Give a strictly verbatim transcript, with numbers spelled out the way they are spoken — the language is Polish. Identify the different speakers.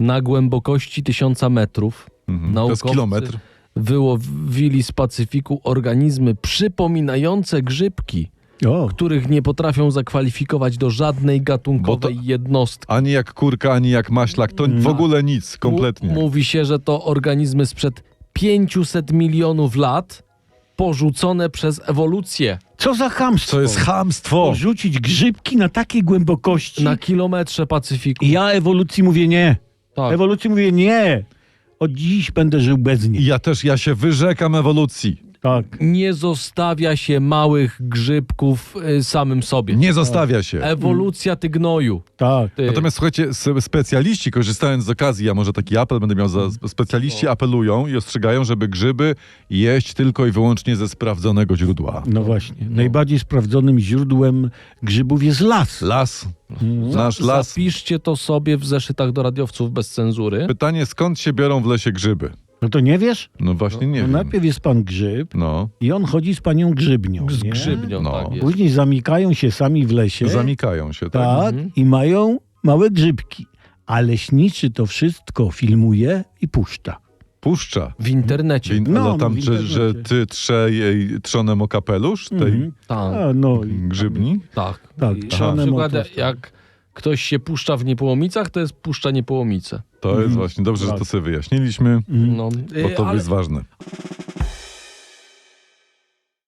Speaker 1: na głębokości tysiąca metrów.
Speaker 2: Mhm. To jest
Speaker 1: Naukowcy
Speaker 2: kilometr.
Speaker 1: wyłowili z Pacyfiku organizmy przypominające grzybki,
Speaker 3: O,
Speaker 1: których nie potrafią zakwalifikować do żadnej gatunkowej
Speaker 2: Bo to-
Speaker 1: jednostki.
Speaker 2: Ani jak kurka, ani jak maślak. To w ogóle nic, kompletnie.
Speaker 1: M- mówi się, że to organizmy sprzed pięciuset milionów lat porzucone przez ewolucję.
Speaker 3: co za chamstwo.
Speaker 2: To jest chamstwo.
Speaker 3: Porzucić grzybki na takiej głębokości.
Speaker 1: Na kilometrze Pacyfiku.
Speaker 3: I ja ewolucji mówię nie.
Speaker 1: Tak.
Speaker 3: Ewolucji mówię nie. Od dziś będę żył bez
Speaker 2: I
Speaker 3: niej.
Speaker 2: ja też, ja się wyrzekam ewolucji.
Speaker 3: Tak.
Speaker 1: Nie zostawia się małych grzybków y, samym sobie.
Speaker 2: Nie zostawia się.
Speaker 1: Ewolucja ty gnoju.
Speaker 3: Tak.
Speaker 1: Ty.
Speaker 2: Natomiast słuchajcie, s- specjaliści, korzystając z okazji, ja może taki apel będę miał, za, specjaliści apelują i ostrzegają, żeby grzyby jeść tylko i wyłącznie ze sprawdzonego źródła.
Speaker 3: No właśnie. Najbardziej sprawdzonym źródłem grzybów jest las.
Speaker 2: Las,
Speaker 3: Mhm.
Speaker 2: nasz las.
Speaker 1: Zapiszcie to sobie w zeszytach do radiowców bez cenzury.
Speaker 2: Pytanie, skąd się biorą w lesie grzyby?
Speaker 3: No to nie wiesz?
Speaker 2: No właśnie nie
Speaker 3: No
Speaker 2: wiem.
Speaker 3: najpierw jest pan grzyb
Speaker 2: No,
Speaker 3: i on chodzi z panią grzybnią.
Speaker 1: Z
Speaker 3: nie?
Speaker 1: grzybnią,
Speaker 2: No.
Speaker 1: tak jest.
Speaker 3: Później zamykają się sami w lesie.
Speaker 2: zamikają się, tak?
Speaker 3: Tak.
Speaker 1: Mhm.
Speaker 3: I mają małe grzybki. A leśniczy to wszystko filmuje i puszcza.
Speaker 2: Puszcza.
Speaker 1: W internecie.
Speaker 2: Win,
Speaker 3: No,
Speaker 2: ale
Speaker 3: no,
Speaker 2: tam,
Speaker 3: w
Speaker 2: że, że
Speaker 3: internecie.
Speaker 2: ty trze jej trzonem o kapelusz tej
Speaker 3: Mhm.
Speaker 1: Tak,
Speaker 3: A, no, i-
Speaker 2: grzybni?
Speaker 1: tak.
Speaker 3: Tak,
Speaker 1: I na
Speaker 3: trzonem
Speaker 1: przykład
Speaker 3: o to-
Speaker 1: jak ktoś się puszcza w Niepołomicach, to jest puszcza Niepołomice.
Speaker 2: To jest
Speaker 3: Mhm.
Speaker 2: właśnie dobrze, że
Speaker 3: Tak.
Speaker 2: to sobie wyjaśniliśmy,
Speaker 3: Mhm.
Speaker 1: No,
Speaker 2: bo
Speaker 1: y,
Speaker 2: to
Speaker 1: ale
Speaker 2: jest ważne.